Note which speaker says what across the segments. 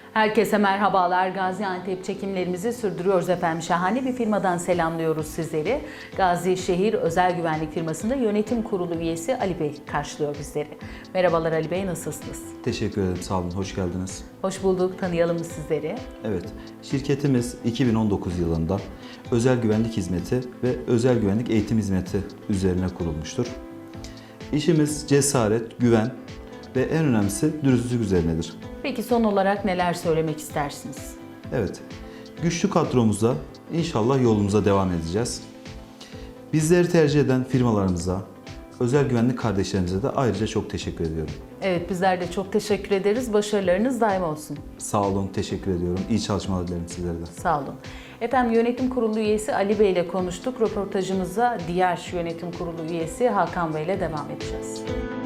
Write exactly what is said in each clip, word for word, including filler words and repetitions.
Speaker 1: Herkese merhabalar. Gaziantep çekimlerimizi sürdürüyoruz efendim. Şahane bir firmadan selamlıyoruz sizleri. Gazişehir Özel Güvenlik Firması'nda yönetim kurulu üyesi Ali Bey karşılıyor bizleri. Merhabalar Ali Bey, nasılsınız?
Speaker 2: Teşekkür ederim, sağ olun, hoş geldiniz.
Speaker 1: Hoş bulduk, tanıyalım mı sizleri?
Speaker 2: Evet, şirketimiz iki bin on dokuz yılında özel güvenlik hizmeti ve özel güvenlik eğitim hizmeti üzerine kurulmuştur. İşimiz cesaret, güven ve en önemlisi dürüstlük üzerinedir.
Speaker 1: Peki son olarak neler söylemek istersiniz?
Speaker 2: Evet, güçlü kadromuzla inşallah yolumuza devam edeceğiz. Bizleri tercih eden firmalarımıza, özel güvenlik kardeşlerimize de ayrıca çok teşekkür ediyorum.
Speaker 1: Evet, bizler de çok teşekkür ederiz. Başarılarınız daim olsun.
Speaker 2: Sağ olun, teşekkür ediyorum. İyi çalışmalar dilerim sizlere de.
Speaker 1: Sağ olun. Efendim, yönetim kurulu üyesi Ali Bey ile konuştuk. Röportajımıza diğer yönetim kurulu üyesi Hakan Bey ile devam edeceğiz.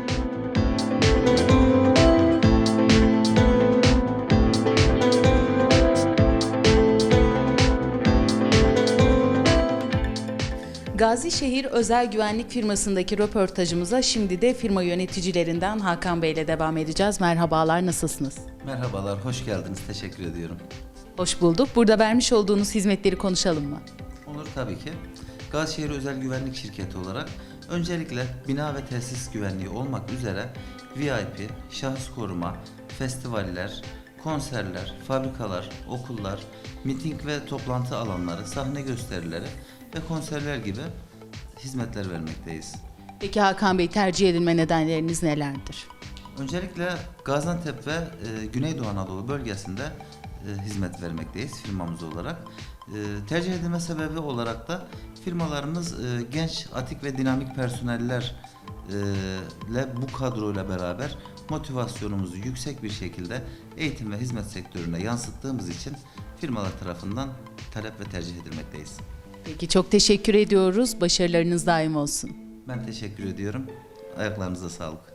Speaker 1: Gazişehir Özel Güvenlik Firması'ndaki röportajımıza şimdi de firma yöneticilerinden Hakan Bey ile devam edeceğiz. Merhabalar, nasılsınız?
Speaker 3: Merhabalar, hoş geldiniz. Teşekkür ediyorum.
Speaker 1: Hoş bulduk. Burada vermiş olduğunuz hizmetleri konuşalım mı?
Speaker 3: Olur tabii ki. Gazişehir Özel Güvenlik Şirketi olarak öncelikle bina ve tesis güvenliği olmak üzere V I P, şahıs koruma, festivaller, konserler, fabrikalar, okullar, miting ve toplantı alanları, sahne gösterileri ve konserler gibi hizmetler vermekteyiz.
Speaker 1: Peki Hakan Bey, tercih edilme nedenleriniz nelerdir?
Speaker 3: Öncelikle Gaziantep ve e, Güneydoğu Anadolu bölgesinde e, hizmet vermekteyiz firmamız olarak. E, tercih edilme sebebi olarak da firmalarımız e, genç, atik ve dinamik personeller e, ile bu kadroyla beraber motivasyonumuzu yüksek bir şekilde eğitim ve hizmet sektörüne yansıttığımız için firmalar tarafından talep ve tercih edilmekteyiz.
Speaker 1: Peki, çok teşekkür ediyoruz. Başarılarınız daim olsun.
Speaker 3: Ben teşekkür ediyorum. Ayaklarınıza sağlık.